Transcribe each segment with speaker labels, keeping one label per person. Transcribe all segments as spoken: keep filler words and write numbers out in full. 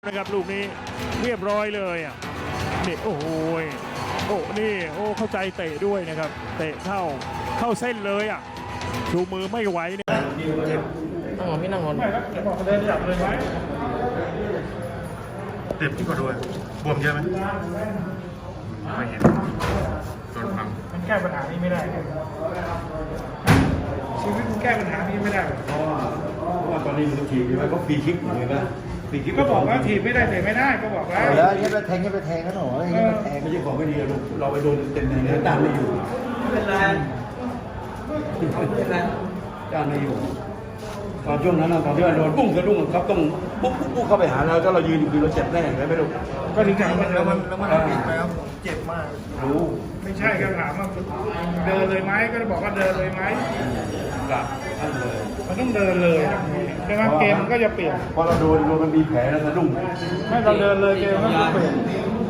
Speaker 1: นะครับลูกนี้เรียบร้อยเลยอ่ะนี่โอ้โหโอ้นี่โอ้เข้าใจเตะด้วยนะครับเตะเข้าเข้าเส้นเลยอ่ะชูมือไม่ไหวเนี่ย
Speaker 2: นั่งหอนพี่นั่งหอน
Speaker 1: ไม่ครับบอกเดินจับเลยไหม
Speaker 3: เจ็บที่กว่าด้วยบวมเยอะไหมไม่เห็นโดนพัง
Speaker 1: มันแก้ปัญหานี้ไม่ได้ชีวิตมันแก้ปัญหานี้ไม่ได้
Speaker 4: เพราะว่าเพราะว่าตอนนี้มันถีบใช่ไหมก็ฟรีคิกอยู่เลยนะฟรีคิก
Speaker 1: ก็บอกว่าถีบไม่ได้เตะไม่ได้ก็บอกแล้ว
Speaker 5: แล้วยังไปแทงยังไปแทงกันหรอยังไปแทง
Speaker 4: ไม่ใช่ของไม่ดีลูกเราไปโดนเต็มๆเลยด้านไม่อยู่
Speaker 5: ไม่เป็นไรไม่เป็นไร
Speaker 4: ด้านไม่อยู่ตอนช่วงนั้นตอนที่เราโดนปุ้งสะดุ้งครับต้องปุ๊บปุ๊บปุ๊บเข้าไปหาเราถ้าเรายืนอยู่คือเราเจ็บแน่เลยไม่รู้
Speaker 1: ก็ถึงถามว่า
Speaker 5: แล้วมันแล้วมันผิดไหมครับเจ็บมาก
Speaker 4: รู้
Speaker 1: ไม่ใช่ก็ถามว่าเดินเลยไหมก็บอกว่าเดินเลยไหม
Speaker 4: หลับท่านเลย
Speaker 1: มันต้องเดินเลยใช่ไหมเกมมันก็จะเปลี่ยน
Speaker 4: พอเราโดนโดนมันมีแผลแล้วสะดุ้ง
Speaker 1: ไม่เราเดินเลยเกมก็จะเปลี่ยน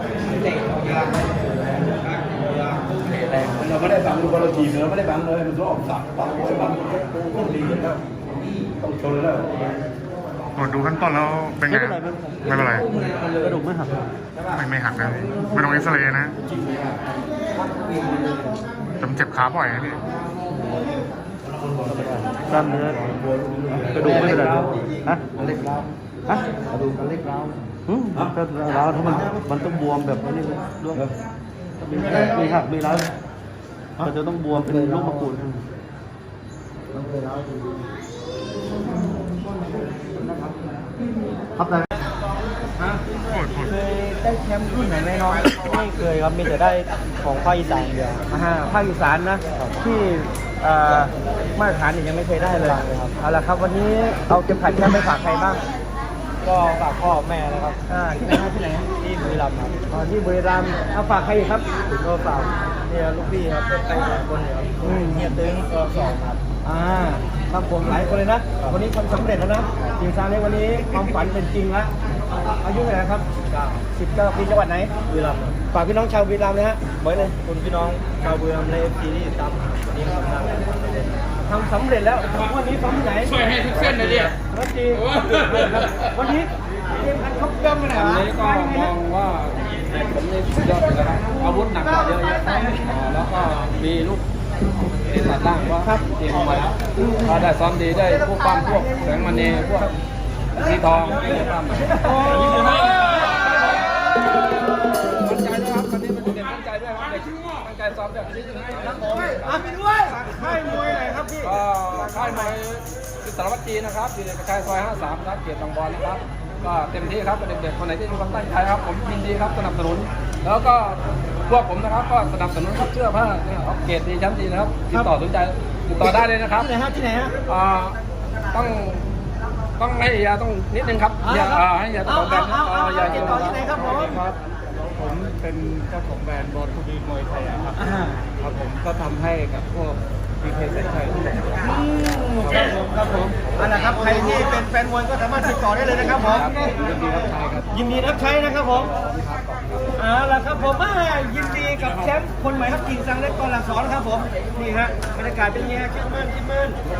Speaker 4: เราไม่ได้บังดูบอลเราถีบเราไม่ได้บังเลยมันต้องออกสับปักไว้บังต้องดีแล้วต้องชนแล้ว
Speaker 3: ตรวจดูขั้นต้นแล้วเป็นไงไม่เป็นไร
Speaker 5: กระดูกไม่หัก
Speaker 3: ไม่ไม่หักนะไม่ต้องเอ็กซเรย์นะแต่มันเจ็บขาบ่อยนะพี่
Speaker 5: กล้ามเนื้อกระดูกไม่เป็นไรฮะเล็กร้าวฮะกระดูกเล็กร้าวอืมก็ร้าวถ้ามันมันต้องบวมแบบนี้เลยด้วยมีหักมีร้าวมันจะต้องบวมเป็นลูกมะกรูดครับนาย
Speaker 3: โคตรโคตร
Speaker 2: เคยได้แชมป์รุ่นไหนไหมน้องไม่เคยครับมีแต่ได้ของภาคอีสานเดียวอ่าภาคอีสานนะที่เอ่อมาตรฐานเนี่ยยังไม่เคยได้เลยครับเอาละครับวันนี้เอาเก็บขัดแชมป์ไปฝากใครบ้างก็ฝากพ่อแม่นะครับอ่าที่ไหนครับที่ไหนที่บุรีรัมย์ครับอ๋อที่บุรีรัมย์เอาฝากใครอีกครับก็ฝากเนี่ยลูกพี่ครับเป็นใครหลายคนเนี่ยครับอืมเฮียตึงก็สองครับอ่าครับผมหลายคนเลยนะวันนี้ทำสำเร็จแล้วนะทีมซาเล้งวันนี้ความฝันเป็นจริงแล้วอายุเท่าไหร่ครับสิบเก้าปีจังหวัดไหนบุรีรัมย์ฝากพี่น้องชาวบุรีรัมย์นะฮะไว้เลยคุณพี่น้องชาวบุรีรัมย์ในเอฟซีที่ตามวันนี้ทำสำเร็จแล้ววันนี้ซ้อมที่ไหนช่วยให้ทุกเส้นเลยเนี่ยวันจริงวันนี้เกมกันครบเกินไปไหนวะ
Speaker 6: ก็มองว่าผมนี่สุดยอดเลยนะครับอาวุธหนักกว่าเยอะแยะแล้วก็มีลูกที่ตัดล่างว่าเตรียมมาแล้วถ้าได้ซ้อมดีได้พวกปั้มพวกแสงมณีพวกสีทองไอ้ปั้มมั่นใจนะครับวันนี้มันเด็กมั่นใจด้วยครับเด็กมั่นใจซ้อมด้วย
Speaker 2: อ่ะไปด้วยค่ายมวยไหนครับพี่
Speaker 6: ก็ค่ายมวยสารวัตรจีนะครับอยู่ในกระชายซอยห้าสามครับเกียรติบางบอนนะครับก็เต็มที่ครับเด็กๆคนไหนที่มีความตั้งใจครับผมยินดีครับสนับสนุนแล้วก็พวกผมนะครับก็สนับสนุนครับเสื้อผ้านะครับเกียรติดีชั้นดีนะครับติดต่อสนใจติดต่อได้เลยนะครับ
Speaker 2: ที่ไหนฮะที่ไหนฮะ
Speaker 6: อ่าต้องต้องให้ยาต้องนิดนึงครับอย่าอ่าให้ยาต้องแบน
Speaker 2: เอาเอาเอา
Speaker 6: อย่า
Speaker 2: ติดต่อที่ไหนครับผม
Speaker 6: ครับ
Speaker 1: ผมเป็นเจ้าของแบรนด์บอลทูบีมวยไทยครับ
Speaker 2: อ่า
Speaker 1: ครับผมก็ทำให้กับพวกพีเคแสนชัยทุกคน
Speaker 2: ครับผมครับผมอันนะครับใครที่เป็นแฟนมวยก็สามารถติดต่อได้เลยนะครับผม
Speaker 1: ยินดีรับใช้ครับ
Speaker 2: ยินดีรับใช้นะครับผมเอาล่ะครับผมอ่ายินดีกับแชมป์คนใหม่ครับกิ่งซังเล็กกอหลักสอนครับผมนี่ฮะบรรยากาศเป็นยังไงคิดมั่นคิดมั่น